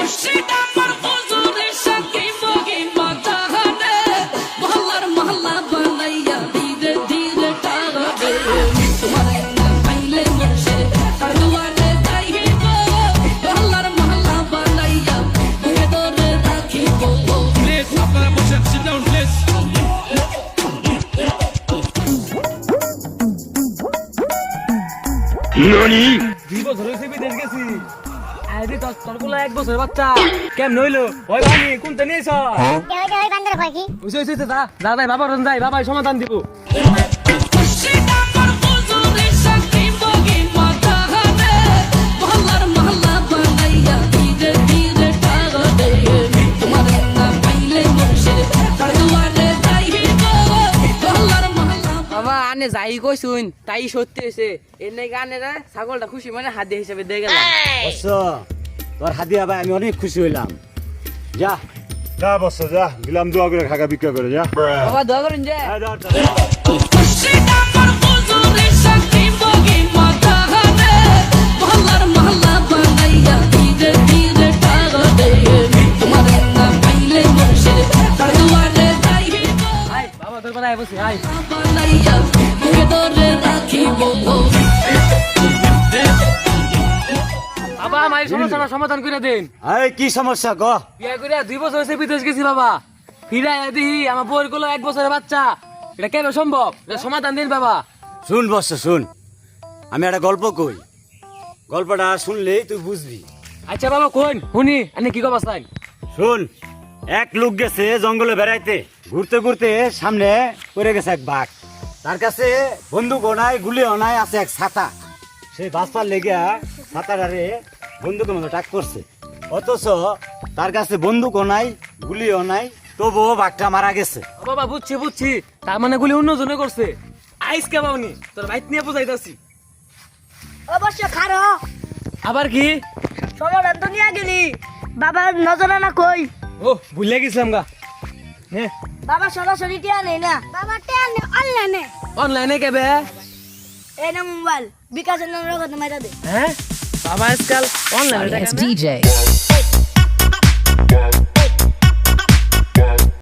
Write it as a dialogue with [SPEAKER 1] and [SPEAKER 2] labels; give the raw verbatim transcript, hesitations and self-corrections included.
[SPEAKER 1] ননি
[SPEAKER 2] দুই বছর হয়েছে বিদেশ গেছি আরে তোর তোর গুলা এক বছর বাচ্চা কেমন হইলো ওই বানি কোনটা নিয়েছ
[SPEAKER 3] কেউ কেউ বান্দর কয় কি
[SPEAKER 2] বুঝে হইছে যা যা যাই বাবা রন যাই বাবাই সমাধান দিব আনে যাই কইছুন তাই সত্যি হইছে এনে গানে না ছাগলটা খুশি মানে হাতে হিসেবে দিয়ে গেলাম
[SPEAKER 4] বস তোর হাদিয়া ভাই আমি অনেক খুশি হইলাম যা
[SPEAKER 1] যা বস যা গিলাম দোয়া করে খাগা বিক্রি করে যা
[SPEAKER 2] বাবা দোয়া করেন যে
[SPEAKER 4] এই ধর, ধর।
[SPEAKER 2] আই বাবা তোর কথা বসে আই বাবা আমার এই সমস্যাটা সমাধান করে দেন
[SPEAKER 4] এই কি সমস্যা ক
[SPEAKER 2] বিয়া করে দুই বছর হয়েছে বিদেশ গেছি বাবা ফিরাই দিহি আমার বউর গুলো এক বছরের বাচ্চা এটা কেন সম্ভব এটা সমাধান দিন বাবা
[SPEAKER 4] শুন বস শুন আমি একটা গল্প কই গল্পটা শুনলেই তুই বুঝবি
[SPEAKER 2] আচ্ছা বাবা কোন শুনি আপনি কি কবা চাই
[SPEAKER 4] শুন এক লোক গেছে জঙ্গলে বেড়াইতে ঘুরতে ঘুরতে সামনে পড়ে গেছে এক বাঘ তার কাছে বন্দুকও নাই গুলিও নাই আছে এক ছাতা সে বাঁচবার লেগে ছাতাটারে বন্দুকের মতো টাক করছে অথচ তার কাছে বন্দুকও নাই গুলিও নাই তবুও বাঘটা মারা গেছে
[SPEAKER 2] ও বাবা বুঝছি বুঝছি তার মানে গুলি অন্য জনে করছে আইস কে বাবনি তোর বাইক নিয়ে বুঝাইতাছি
[SPEAKER 3] অবশ্য খারো
[SPEAKER 2] আবার কি
[SPEAKER 3] সমাধান তো নিয়ে গেলি বাবা নজরে না কই
[SPEAKER 2] ও ভুলে গেছিলাম গা হ্যাঁ
[SPEAKER 3] বাবা সরাসরি টিয়া নেই না বাবা টিয়া নেই অনলাইনে
[SPEAKER 2] অনলাইনে কেবে
[SPEAKER 3] এই না মোবাইল বিকাশের নাম রকম মাইরা দে
[SPEAKER 2] হ্যাঁ বাবা আজকাল অনলাইনে
[SPEAKER 5] D J.